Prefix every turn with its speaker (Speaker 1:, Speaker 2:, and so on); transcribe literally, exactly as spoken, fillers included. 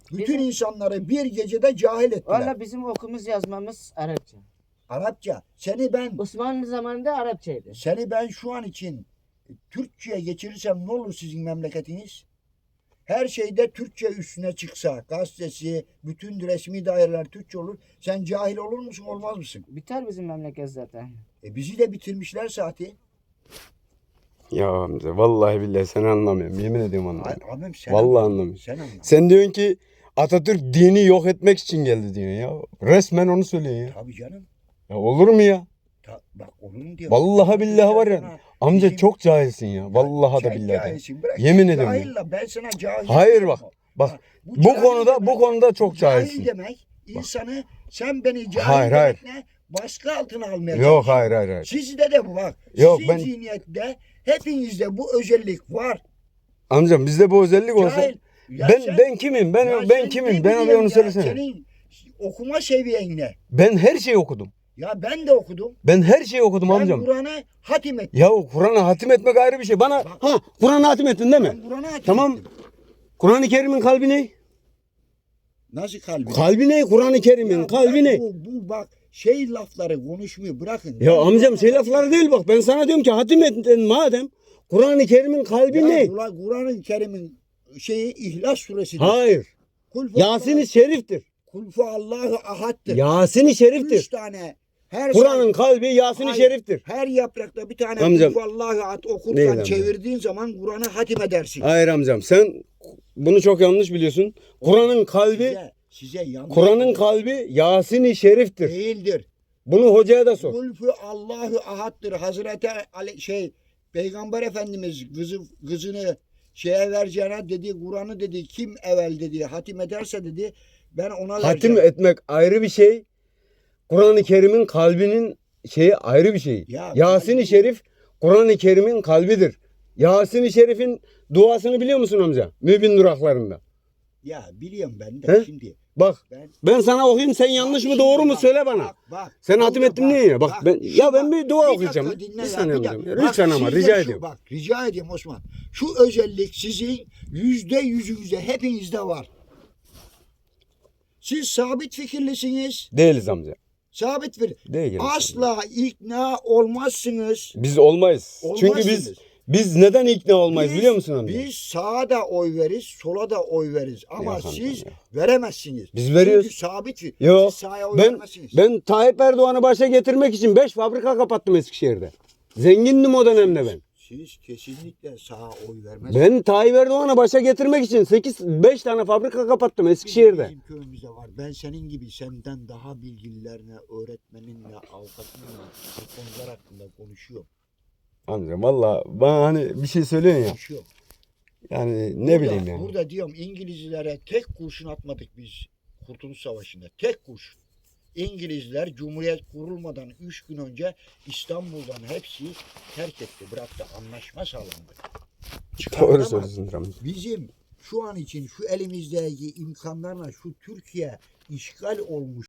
Speaker 1: Bütün
Speaker 2: Bizim-
Speaker 1: insanları bir gecede cahil ettiler.
Speaker 2: Valla bizim okumuz yazmamız Arapça.
Speaker 1: Arapça. Seni ben
Speaker 2: Osmanlı zamanında Arapçaydı.
Speaker 1: seni ben şu an için Türkçe'ye geçirirsem ne olur sizin memleketiniz? Her şeyde Türkçe üstüne çıksa, gazetesi, bütün resmi daireler Türkçe olur. Sen cahil olur musun, olmaz mısın?
Speaker 2: Biter bizim memleket zaten.
Speaker 1: E bizi de bitirmişler saati.
Speaker 3: Ya amca vallahi billahi seni anlamıyorum. Yemin ediyorum anlamıyorum.
Speaker 1: Ay, abim sen
Speaker 3: Vallahi
Speaker 1: anla.
Speaker 3: anlamıyorum.
Speaker 1: Sen anla.
Speaker 3: Sen diyorsun ki Atatürk dini yok etmek için geldi diyorsun ya. Resmen onu söylüyorsun ya.
Speaker 1: Tabii canım.
Speaker 3: Ya olur mu ya?
Speaker 1: Ta, bak onun diyor.
Speaker 3: Vallahi billahi var ya. Amca
Speaker 1: Bizim-
Speaker 3: çok cahilsin ya. Vallahi da
Speaker 1: Sen
Speaker 3: billahi de.
Speaker 1: cahilsin, bırak.
Speaker 3: Yemin ediyorum ya.
Speaker 1: Cahille ben sana cahil.
Speaker 3: Hayır
Speaker 1: diyorum.
Speaker 3: bak. Bak bu
Speaker 1: cahil
Speaker 3: konuda
Speaker 1: demek-
Speaker 3: bu konuda çok
Speaker 1: cahil
Speaker 3: cahilsin.
Speaker 1: demek insanı sen beni cahil
Speaker 3: Hayır, hayır.
Speaker 1: demekle baskı altına almaya
Speaker 3: Yok
Speaker 1: çalışıyorsun.
Speaker 3: hayır hayır hayır.
Speaker 1: Sizde de bu bak.
Speaker 3: Yok,
Speaker 1: Sizin
Speaker 3: ben-
Speaker 1: zihniyette hepinizde bu özellik var.
Speaker 3: Amcam bizde bu özellik olsa
Speaker 1: Cahil. Ya
Speaker 3: ben
Speaker 1: sen-
Speaker 3: ben kimim? Ben
Speaker 1: ya
Speaker 3: ben
Speaker 1: sen
Speaker 3: kimim?
Speaker 1: ne
Speaker 3: Ben abi
Speaker 1: biliyorsun
Speaker 3: onu
Speaker 1: ya?
Speaker 3: söylesene.
Speaker 1: Senin okuma seviyen ne?
Speaker 3: Ben her şeyi okudum.
Speaker 1: Ya ben de okudum.
Speaker 3: Ben her şeyi okudum
Speaker 1: Ben
Speaker 3: amcam.
Speaker 1: Kur'an'ı hatim ettim.
Speaker 3: Ya Kur'an'ı hatim etmek ayrı bir şey. Bana ha Kur'an'ı hatim ettin değil mi?
Speaker 1: Ben Kur'an'ı hatim
Speaker 3: Tamam.
Speaker 1: ettim.
Speaker 3: Kur'an-ı Kerim'in kalbi ne?
Speaker 1: Nasıl kalbi?
Speaker 3: Kalbi ne? Kur'an-ı Kerim'in
Speaker 1: Ya
Speaker 3: kalbi
Speaker 1: bırak
Speaker 3: ne?
Speaker 1: Bu, bu bak şey lafları konuşmuyor bırakın.
Speaker 3: Ya
Speaker 1: Ben
Speaker 3: amcam
Speaker 1: Kur'an'ı
Speaker 3: şey
Speaker 1: hatim
Speaker 3: lafları değil bak. Ben sana diyorum ki hatim ettin madem. Kur'an-ı Kerim'in kalbi
Speaker 1: Ya
Speaker 3: ne?
Speaker 1: Kur'an- Kur'an-ı Kerim'in şeyi İhlas suresidir.
Speaker 3: Hayır.
Speaker 1: Kul fu
Speaker 3: Yasin-i
Speaker 1: Allah-
Speaker 3: Şerif'tir.
Speaker 1: Kul fu Allahu ahad'tır.
Speaker 3: Yasin-i
Speaker 1: Üç
Speaker 3: Şerif'tir.
Speaker 1: tane her
Speaker 3: Kur'an'ın
Speaker 1: sayfa-
Speaker 3: kalbi Yasin-i
Speaker 1: Hayır,
Speaker 3: Şerif'tir.
Speaker 1: Her yaprakta bir tane
Speaker 3: Amcam-
Speaker 1: Kul fu Allahu ahad
Speaker 3: Neydi
Speaker 1: okurken
Speaker 3: amcam?
Speaker 1: çevirdiğin zaman Kur'an'ı hatim edersin.
Speaker 3: Hayır amcam sen bunu çok yanlış biliyorsun. Kur'an'ın kalbi
Speaker 1: Size, size yanlış
Speaker 3: Kur'an'ın kalbi Yasin-i Şerif'tir.
Speaker 1: değildir.
Speaker 3: Bunu hocaya da sor.
Speaker 1: Kul fu Allahu ahad'tır. Hazreti Ali, şey Peygamber Efendimiz kızı kızını şeye vereceğine dedi Kur'an'ı dedi kim evvel dedi hatim ederse dedi ben ona
Speaker 3: Hatim
Speaker 1: vereceğim.
Speaker 3: etmek ayrı bir şey. Kur'an-ı Kerim'in kalbinin şeyi ayrı bir şey.
Speaker 1: Ya,
Speaker 3: Yasin-i
Speaker 1: kalbi-
Speaker 3: Şerif Kur'an-ı Kerim'in kalbidir. Yasin-i Şerif'in duasını biliyor musun amca? Mübin duraklarında.
Speaker 1: Ya biliyorum ben de
Speaker 3: He?
Speaker 1: şimdi.
Speaker 3: Bak
Speaker 1: Ben
Speaker 3: ben sana okuyayım sen yanlış mı
Speaker 1: Bak
Speaker 3: doğru
Speaker 1: şimdi
Speaker 3: mu
Speaker 1: bak,
Speaker 3: söyle bana.
Speaker 1: Bak, bak,
Speaker 3: Sen
Speaker 1: burada
Speaker 3: hatim ettin
Speaker 1: bak,
Speaker 3: niye ya? Bak ben
Speaker 1: şu
Speaker 3: ya ben
Speaker 1: bak,
Speaker 3: bir dua
Speaker 1: bir
Speaker 3: okuyacağım.
Speaker 1: dakika dinle
Speaker 3: Bir
Speaker 1: ya,
Speaker 3: saniye
Speaker 1: bir
Speaker 3: amcam.
Speaker 1: dakika.
Speaker 3: Ya,
Speaker 1: Bak,
Speaker 3: lütfen ama
Speaker 1: sizde
Speaker 3: rica
Speaker 1: şu-
Speaker 3: ediyorum.
Speaker 1: Bak rica ediyorum Osman. Şu özellik sizin yüzde yüzünüzde hepinizde var. Siz sabit fikirlisiniz.
Speaker 3: Değiliz amca.
Speaker 1: Sabit fikir.
Speaker 3: Değiliz.
Speaker 1: Asla ikna olmazsınız.
Speaker 3: Biz olmayız.
Speaker 1: Olmazsınız.
Speaker 3: Çünkü biz biz neden ikna olmayız
Speaker 1: Biz-
Speaker 3: biliyor musun amca?
Speaker 1: Biz sağa da oy veririz, sola da oy veririz. Ama
Speaker 3: Yok amcam,
Speaker 1: siz
Speaker 3: yok.
Speaker 1: veremezsiniz.
Speaker 3: Biz veriyoruz.
Speaker 1: Çünkü sabit fikir.
Speaker 3: Yok.
Speaker 1: Siz sağa oy
Speaker 3: Ben
Speaker 1: veremezsiniz.
Speaker 3: ben Tayyip Erdoğan'ı başa getirmek için beş fabrika kapattım Eskişehir'de. Zengindim o dönemde ben.
Speaker 1: Siz kesinlikle sağa oy vermezsiniz.
Speaker 3: Ben Tayyip Erdoğan'ı başa getirmek için sekiz beş tane fabrika kapattım Eskişehir'de.
Speaker 1: Bizim köyümüzde var. Ben senin gibi senden daha bilgililerine, öğretmeninle, avukatınla bu konular hakkında konuşuyorum.
Speaker 3: Amca valla bana hani bir şey söylüyorsun ya.
Speaker 1: Konuşuyorum.
Speaker 3: Yani ne
Speaker 1: Burada-
Speaker 3: bileyim yani.
Speaker 1: Burada diyorum İngilizlere tek kurşun atmadık biz Kurtuluş Savaşı'nda. Tek kurşun. İngilizler Cumhuriyet kurulmadan üç gün önce İstanbul'dan hepsi terk etti, bıraktı. Anlaşma sağlandı.
Speaker 3: Doğru
Speaker 1: Çıkartamaz.
Speaker 3: söylüyorsun amca.
Speaker 1: Bizim şu an için şu elimizdeki imkanlarla şu Türkiye işgal olmuş